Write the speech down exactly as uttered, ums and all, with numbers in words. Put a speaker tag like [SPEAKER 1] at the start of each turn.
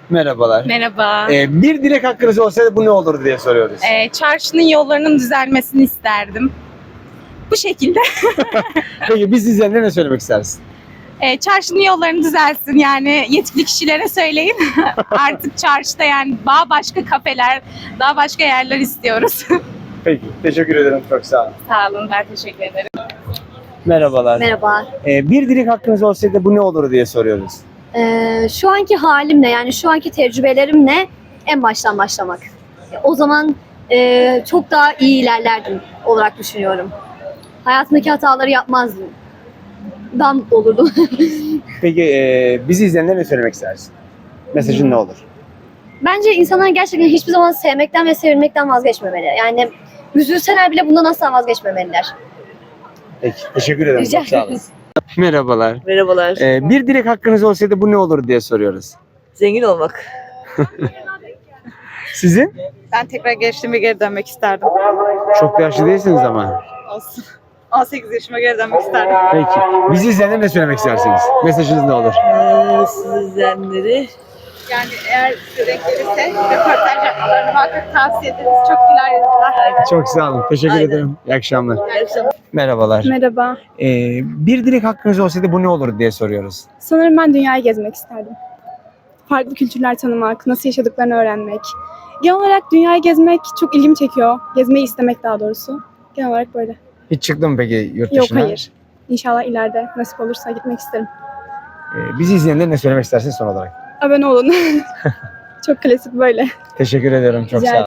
[SPEAKER 1] Merhabalar.
[SPEAKER 2] Merhaba.
[SPEAKER 1] Ee, bir dilek hakkınız olsaydı bu ne olurdu diye soruyoruz.
[SPEAKER 2] Ee, çarşının yollarının düzelmesini isterdim. Bu şekilde.
[SPEAKER 1] Peki biz izleyenlere ne söylemek istersin?
[SPEAKER 2] Ee, çarşının yollarını düzelsin. Yani yetkili kişilere söyleyin. Artık çarşıda yani daha başka kafeler, daha başka yerler istiyoruz.
[SPEAKER 1] Peki, teşekkür ederim. Çok sağ olun.
[SPEAKER 2] Sağ olun, ben teşekkür ederim.
[SPEAKER 1] Merhabalar.
[SPEAKER 3] Merhaba.
[SPEAKER 1] Ee, bir dilek hakkınız olsaydı bu ne olurdu diye soruyoruz.
[SPEAKER 3] Ee, şu anki halimle yani şu anki tecrübelerimle en baştan başlamak. O zaman e, çok daha iyi ilerlerdim olarak düşünüyorum. Hayatımdaki hataları yapmazdım. Dan olurdum.
[SPEAKER 1] Peki e, bizi izleyenlere ne söylemek istersin? Mesajın ne olur?
[SPEAKER 3] Bence insanlar gerçekten hiçbir zaman sevmekten ve sevilmekten vazgeçmemeli. Yani üzülseler bile bundan asla vazgeçmemeliler.
[SPEAKER 1] Peki, teşekkür ederim.
[SPEAKER 3] Rica
[SPEAKER 1] Çok sağ olun. Merhabalar.
[SPEAKER 4] Merhabalar.
[SPEAKER 1] Ee, bir dilek hakkınız olsaydı bu ne olurdu diye soruyoruz.
[SPEAKER 4] Zengin olmak.
[SPEAKER 1] Sizin?
[SPEAKER 5] Ben tekrar gençliğime geri dönmek isterdim.
[SPEAKER 1] Çok da yaşlı değilsiniz ama.
[SPEAKER 5] Olsun. on sekiz yaşıma geri dönmek isterdim.
[SPEAKER 1] Peki. Bizi izleyenlere ne söylemek istersiniz? Mesajınız ne olur?
[SPEAKER 4] Ee, sizdenleri.
[SPEAKER 5] Yani eğer size denk gelirse röportaj yapmalarını muhakkak tavsiye ederiz. Çok güler yüzler.
[SPEAKER 1] Çok sağ olun. Teşekkür
[SPEAKER 4] Aynen.
[SPEAKER 1] ederim. İyi akşamlar.
[SPEAKER 4] İyi akşamlar.
[SPEAKER 1] Merhabalar.
[SPEAKER 6] Merhaba.
[SPEAKER 1] Ee, bir dilek hakkınız olsaydı bu ne olurdu diye soruyoruz.
[SPEAKER 6] Sanırım ben dünyayı gezmek isterdim. Farklı kültürler tanımak, nasıl yaşadıklarını öğrenmek. Genel olarak dünyayı gezmek çok ilgimi çekiyor. Gezmeyi istemek daha doğrusu. Genel olarak böyle.
[SPEAKER 1] Hiç çıktın mı peki yurt
[SPEAKER 6] Yok
[SPEAKER 1] dışına?
[SPEAKER 6] hayır. İnşallah ileride nasip olursa gitmek isterim.
[SPEAKER 1] Ee, bizi izleyenlere ne söylemek istersiniz son olarak?
[SPEAKER 6] Abone olun. Çok klasik böyle.
[SPEAKER 1] Teşekkür ederim. Çok
[SPEAKER 6] Rica
[SPEAKER 1] sağ olun.